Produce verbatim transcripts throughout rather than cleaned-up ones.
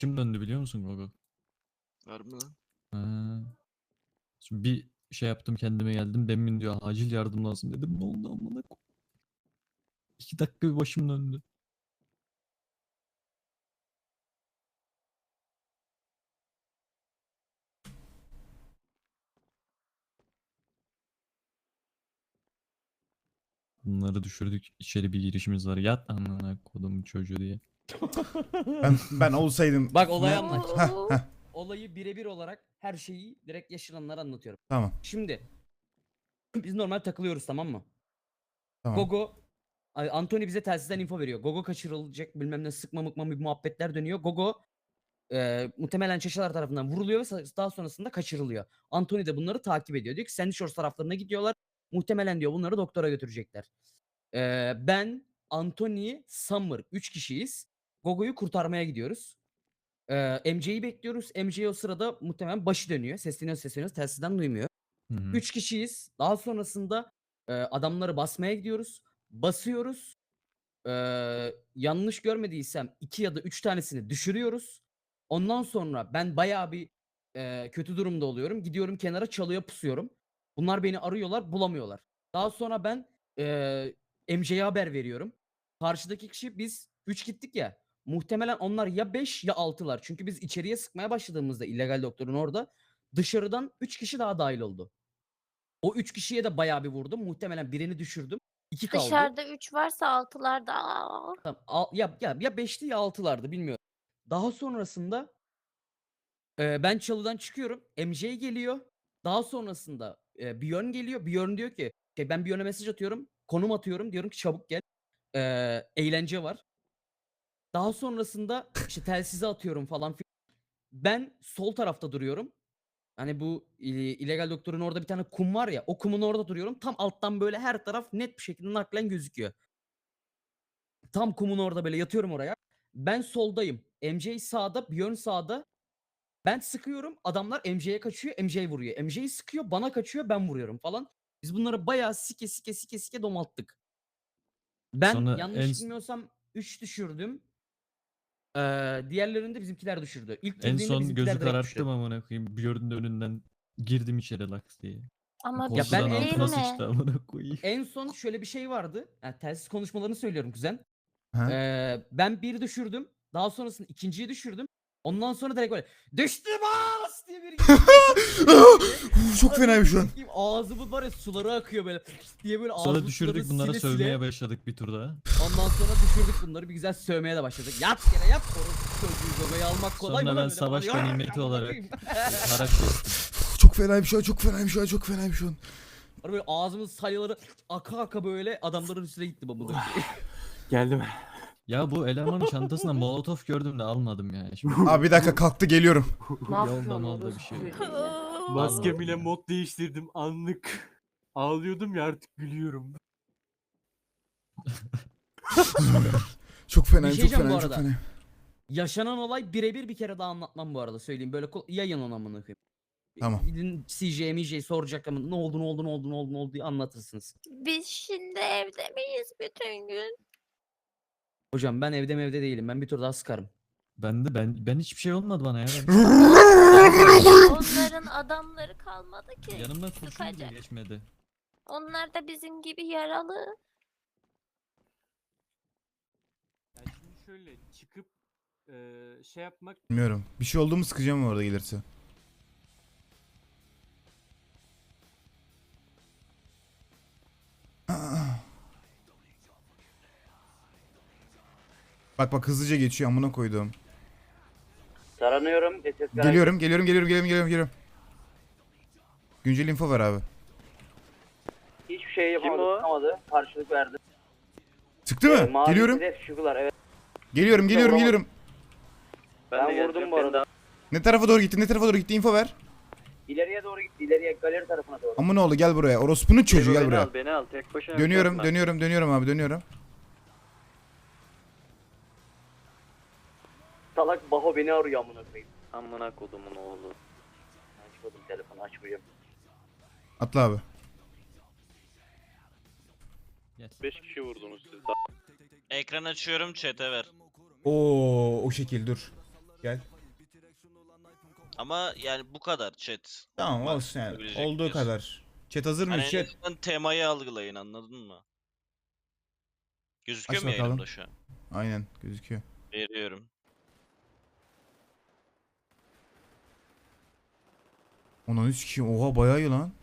Kim döndü biliyor musun Gogo? Harbi lan. Ha. Şimdi bir şey yaptım kendime geldim. Demin diyor acil yardım lazım dedim. Ne oldu amına ko- İki dakika bir başım döndü. Bunları düşürdük. İçeri bir girişimiz var. Yat amına kodum çocuğu diye. Ben ben olsaydım. Bak olayı Ne- anlat. Heh, heh, Olayı birebir olarak her şeyi direkt yaşananlara anlatıyorum. tamam Şimdi biz normal takılıyoruz, tamam mı? tamam. Gogo Ay, Anthony bize telsizden info veriyor. Gogo kaçırılacak, bilmem ne, sıkma mıkma bir muhabbetler dönüyor. Gogo e, muhtemelen Çeşalar tarafından vuruluyor ve sa- daha sonrasında kaçırılıyor. Anthony de bunları takip ediyor. Diyor ki Sandy Shores taraflarına gidiyorlar. Muhtemelen diyor bunları doktora götürecekler. E, ben, Anthony, Summer üç kişiyiz. Gogo'yu kurtarmaya gidiyoruz. Ee, M J'yi bekliyoruz. M J o sırada muhtemelen başı dönüyor. Sesleniyor sesleniyor. Telsizden duymuyor. Hı hı. Üç kişiyiz. Daha sonrasında e, adamları basmaya gidiyoruz. Basıyoruz. Ee, yanlış görmediysem iki ya da üç tanesini düşürüyoruz. Ondan sonra ben bayağı bir e, kötü durumda oluyorum. Gidiyorum kenara, çalıya pusuyorum. Bunlar beni arıyorlar, bulamıyorlar. Daha sonra ben e, M J'ye haber veriyorum. Karşıdaki kişi, biz üç gittik ya. Muhtemelen onlar ya beş ya altılar. Çünkü biz içeriye sıkmaya başladığımızda illegal doktorun orada dışarıdan üç kişi daha dahil oldu. O üç kişiye de bayağı bir vurdum. Muhtemelen birini düşürdüm. iki kaldı. Dışarıda üç varsa altılar da. Aa. Tamam, al- ya ya ya beşti ya altılardı, bilmiyorum. Daha sonrasında e, ben çalıdan çıkıyorum. M J geliyor. Daha sonrasında e, Björn geliyor. Björn diyor ki şey, ben Björn'e mesaj atıyorum. Konum atıyorum. Diyorum ki çabuk gel. E, eğlence var. Daha sonrasında işte telsize atıyorum falan filan. Ben sol tarafta duruyorum. Hani bu e, illegal doktorun orada bir tane kum var ya. O kumun orada duruyorum. Tam alttan böyle her taraf net bir şekilde naklen gözüküyor. Tam kumun orada böyle yatıyorum oraya. Ben soldayım. M J sağda, Björn sağda. Ben sıkıyorum. Adamlar M J'ye kaçıyor. M J vuruyor. M J sıkıyor. Bana kaçıyor. Ben vuruyorum falan. Biz bunları bayağı sike sike sike sike domalttık. Ben Sonra yanlış en- bilmiyorsam üç düşürdüm. Ee, diğerlerini de bizimkiler düşürdü. İlk En girdiğinde son bizimkiler gözü direkt kararttım düşürdü. amına koyayım. Björn'ün önünden girdim içeri laks diye. Ama Ya ben Korkudan en altına değil mi? sıçtı amına koyayım. En son şöyle bir şey vardı. Yani telsiz konuşmalarını söylüyorum kuzen. Ha? Ee, ben bir düşürdüm. Daha sonrasında ikinciyi düşürdüm. Ondan sonra direkt böyle düştü bas diye bir Uf, çok fenayım şu an. Ağzımın var ya, suları akıyor böyle diye böyle Sonra ağzımın düşürdük sularını bunlara sile sövmeye sile. başladık bir turda. Ondan sonra düşürdük bunları, bir güzel sövmeye de başladık. Yat yere yat, orası çocuğu zobayı almak kolay mı Sonra lan ben öyle savaş falan. ganimeti Amına olarak koyayım. Harak kestim. Çok fenayım şu an, çok fenayım şu an, çok fenayım şu an. Sonra böyle ağzımın salyaları aka aka böyle adamların üstüne gitti babamın. Geldim. Ya bu elemanın çantasında molotof gördüm de almadım yani. Şimdi Abi bir dakika, kalktı, geliyorum. yolda malda bir şey. Maskem ile mod değiştirdim anlık. Ağlıyordum ya, artık gülüyorum. Çok fenayım, Bir şey çok diyeceğim bu fenayım, çok arada. fenayım. Yaşanan olay birebir bir kere daha anlatmam bu arada, söyleyeyim. Böyle kol- yayın ona amına koyayım. Tamam. Gidin C J, M J soracak ama ne oldu ne oldu ne oldu ne oldu ne oldu diye anlatırsınız. Biz şimdi evde miyiz bütün gün? Hocam ben evde evde değilim. Ben bir tur daha sıkarım. Ben de ben ben hiçbir şey olmadı bana ya. Ben, Onların adamları kalmadı ki. yanımdan kurşun bile Sıkacak. geçmedi. Onlar da bizim gibi yaralı. Ya şimdi şöyle çıkıp eee, şey yapmak Bilmiyorum. Bir şey oldu mu sıkacağım orada gelirse. Bak bak, hızlıca geçiyor, amına koydum. Taranıyorum. S S garaj. Geliyorum, geliyorum, geliyorum, geliyorum, geliyorum, geliyorum. Güncel info ver abi. Hiçbir şey yapamadı. Tutamadı. Karşılık verdi. Çıktı Ee, mı? mavi Geliyorum. hedef şugular, evet. Geliyorum, geliyorum, Vuramadım. geliyorum. Ben, vurdum bu arada. Ne tarafa doğru gitti? Ne tarafa doğru gitti? İnfo ver. İleriye doğru gitti. İleriye galeri tarafına doğru. Amına oğlu, gel buraya. Orospu'nun çocuğu, gel beni buraya. al, beni al. Tek başına Dönüyorum, yapma. dönüyorum, dönüyorum abi, dönüyorum. Salak Baho beni arıyor amına koyayım. Amına kodumun oğlu. Açmadım telefonu, açmayacağım. Atla abi. beş kişi vurdunuz siz. Ekran açıyorum, chat'e ver. Oo, o şekil dur. Gel. Ama yani bu kadar chat. Tamam Var, olsun yani. yapabilecek Olduğu miyiz? kadar. Chat hazır mı Hani en chat? azından temayı algılayın, anladın mı? Gözüküyor Aç mu bakalım. yayınımda şu an? Aynen gözüküyor. Veriyorum. Ona üç kişi. Oha bayağı iyi lan.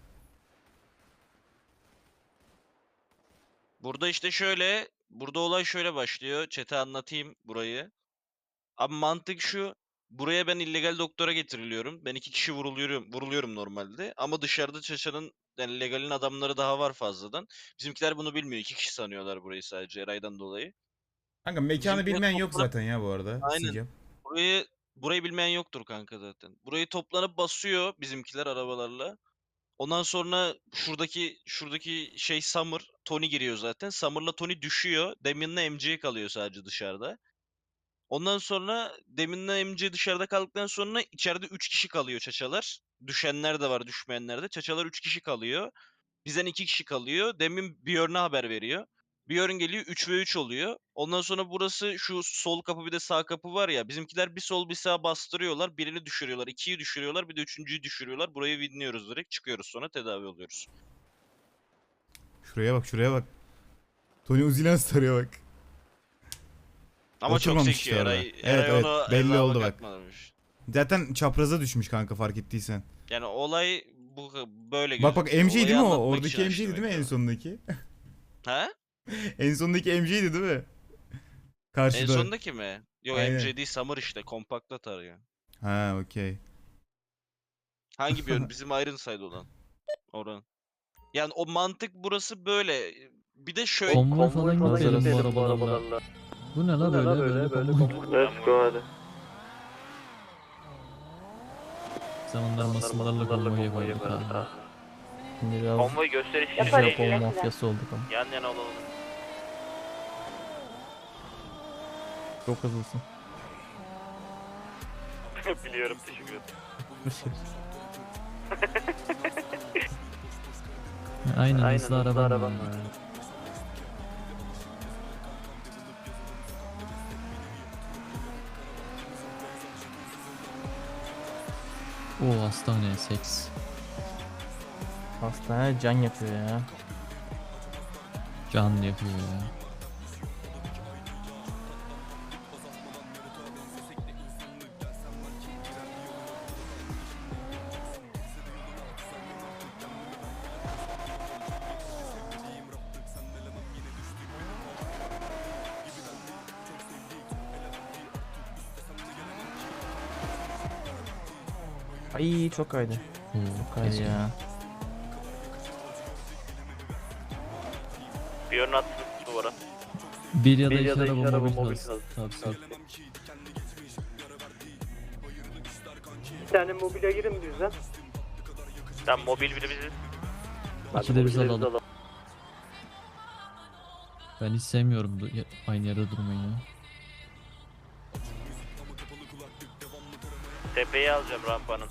Burada işte şöyle, burada olay şöyle başlıyor. Chat'e anlatayım burayı. Abi mantık şu. Buraya ben illegal doktora getiriliyorum. Ben iki kişi vuruluyorum, vuruluyorum normalde. Ama dışarıda Çaça'nın yani legalin adamları daha var fazladan. Bizimkiler bunu bilmiyor. İki kişi sanıyorlar burayı sadece Eray'dan dolayı. Kanka mekanı Bizimkiler bilmeyen yok toplam- zaten ya bu arada. Aynen. Sicem. Burayı burayı bilmeyen yoktur kanka zaten. Burayı toplanıp basıyor bizimkiler arabalarla. Ondan sonra şuradaki şuradaki şey Summer, Tony giriyor zaten. Summer'la Tony düşüyor. Damien'la M J kalıyor sadece dışarıda. Ondan sonra Damien'la M J dışarıda kaldıktan sonra içeride üç kişi kalıyor çaçalar. Düşenler de var, düşmeyenler de. Çaçalar üç kişi kalıyor. Bizden iki kişi kalıyor. Damien Björn'e haber veriyor. Björn geliyor üç ve üç oluyor. Ondan sonra burası şu sol kapı bir de sağ kapı var ya. Bizimkiler bir sol bir sağ bastırıyorlar. Birini düşürüyorlar. ikiyi düşürüyorlar. Bir de üçüncüyü düşürüyorlar. Burayı winliyoruz direkt. Çıkıyoruz sonra tedavi oluyoruz. Şuraya bak şuraya bak. Tony Uzi'len sarıyor bak. Ama çok Oturmamış zeki işte orada. Eray. Evet, Eray evet, onu belli hesaba oldu bak. katmamış. Zaten çapraza düşmüş kanka fark ettiysen. Yani olay bu böyle Bak bak gözüküyor. M J'ydi Olayı değil mi o? anlatmak Oradaki için M açtım J'ydi değil mi en ekranı. sondaki? He? En sondaki M J'ydi değil mi? Karşıda. En sondaki mi? Yok Aynen. M J değil Summer işte. Kompakta tarıyor. Ha okey. Hangi bir yön? Bizim Ironside olan. Oran. Yani o mantık burası böyle. Bir de şöyle. Konvoy falan gidelim bu arabalarla. Bu ne la böyle böyle, böyle konvoy. Let's go hadi. Zamanlar masmalarla konvoy yapardık ha. Şimdi biraz Konvoy gösteriş için Yaparız. değil. Japon mafyası olduk ama. Yan yana olalım. Çok hızlısın. Biliyorum, teşekkür ederim. Aynen, Aynen, hızlı hızlı araba arabam var. var. Oo hastane seks. Hastane can yapıyor ya. Can yapıyor ya. Ay çok kaydı. Oo, Çok kaydı keşke. ya. Bir yön attınız duvara. Bir ya da Bir iki ya da iki araba araba mobil mobil hız. hız. Tavsiye. Bir tane mobilya girin bizden. Sen mobil biri biziz. İki de biz alalım. Ben hiç sevmiyorum bu- ya- aynı yerde durmayı ya. Tepeyi alacağım rampanın.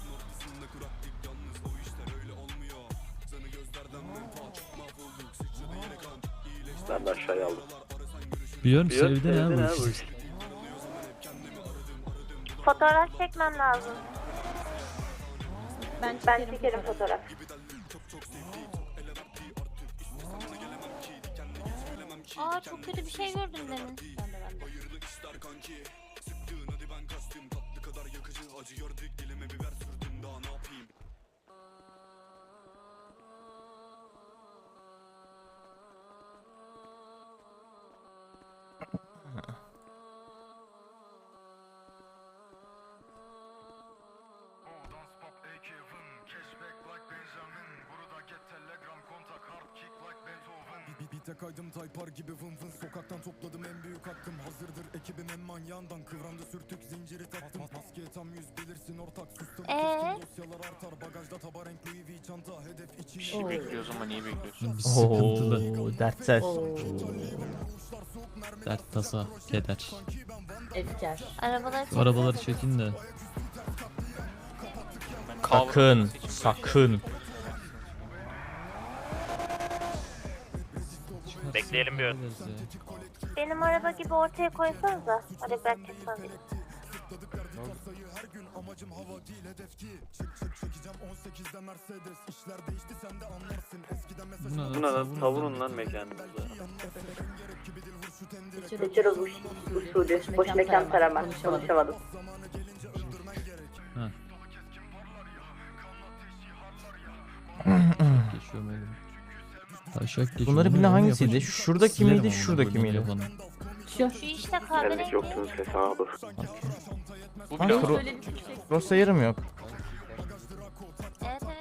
Ben de aşağıya aldım. Björn Björn sevdi ne sevdi ne bu bu işi. Fotoğraf çekmem lazım. Ben Ben çekerim, çekerim fotoğraf. Aa çok kötü bir şey gördüm demin. Ben de ben de. Bite kaydım taypar gibi vın vın. Sokaktan topladım en büyük hakkım. Hazırdır ekibim en manyağından. Kıvramda sürtük zinciri taktım. Maskeye tam yüz bilirsin ortak. Sustum Ee? dosyalar artar. Bagajda taba renk Louis V çanta. Hedef için. İşi bekliyoruz ama niye bekliyorsun? Bir sıkıntılı. Oo, dertsel. Dert, tasa, keder. Efkar. Arabaları Şu arabaları çekin de. Sakın, sakın. Bekleyelim bir ön. Hallederiz ya. Benim araba gibi ortaya koysanıza. Hadi ben çıkmam. Kasayı her gün amacım hava değil hedef değil. Çık çık çekeceğim on sekizde Mercedes. İşler değişti sen de anlarsın. Eskiden mesaj Bu ne lan? Bu ne lan? Savunun Savunun lan. lan mekanınızı. Geçiyoruz usulü. Boş mekan tarama. Konuşamadım. Geçiyorum elim. Taşak geçiyor. Bunları Bunu birine onu hangisiydi? yapacak. Şuradaki Silerim miydi, amına şuradaki koyayım miydi? yapanı. Şu. Şu işte kahverengi. yoktunuz hesabı. Bu Ha, bile Kro Cross'a yarım yok. Evet evet.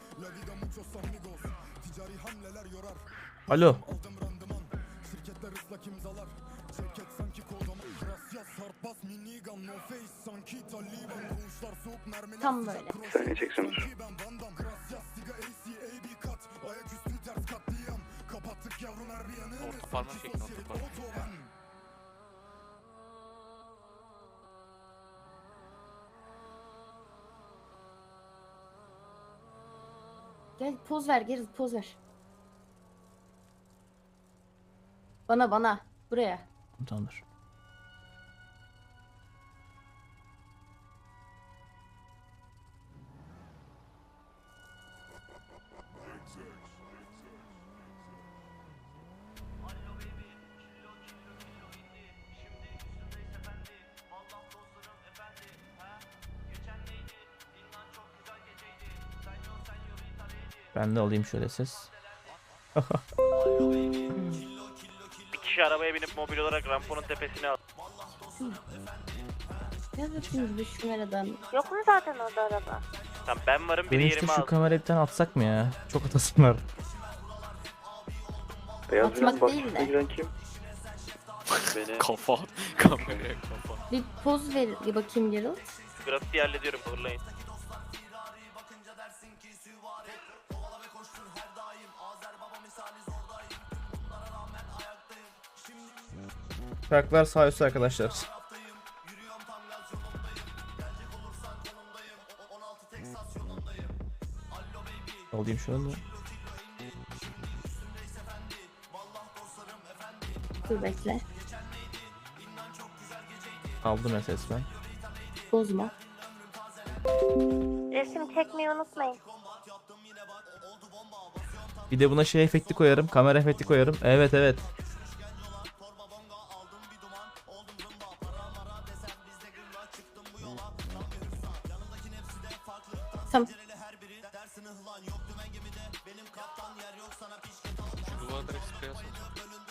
Alo. Tam böyle. Seni çekseniz. orta parmak şeklinde orta parmak. Gel poz ver geri poz ver. Bana bana. Buraya. Tamamdır. Ben de alayım şöyle ses. Bir kişi arabaya binip mobil olarak ramponun tepesine al. Gel bakayım bir şu numaradan. Yok mu zaten orada araba? Tamam ben varım biri Dönüşte yerime şu al. kamerayı bir tane atsak mı ya? Çok atasım var. Beyaz Atmak bak, değil de. giren kim? Beni Kafa. Kameraya kafa. Bir poz ver bir bakayım Geralt. grafiti hallediyorum fırlayın. Şarkılar sağ üstte arkadaşlar. Alayım şöyle. Dur bekle. Aldım ses ben. Bozma. Resim çekmeyi unutmayın. Bir de buna şey efekti koyarım. Kamera efekti koyarım. Evet evet. Tamam. Şu duvara direkt sprey asalım.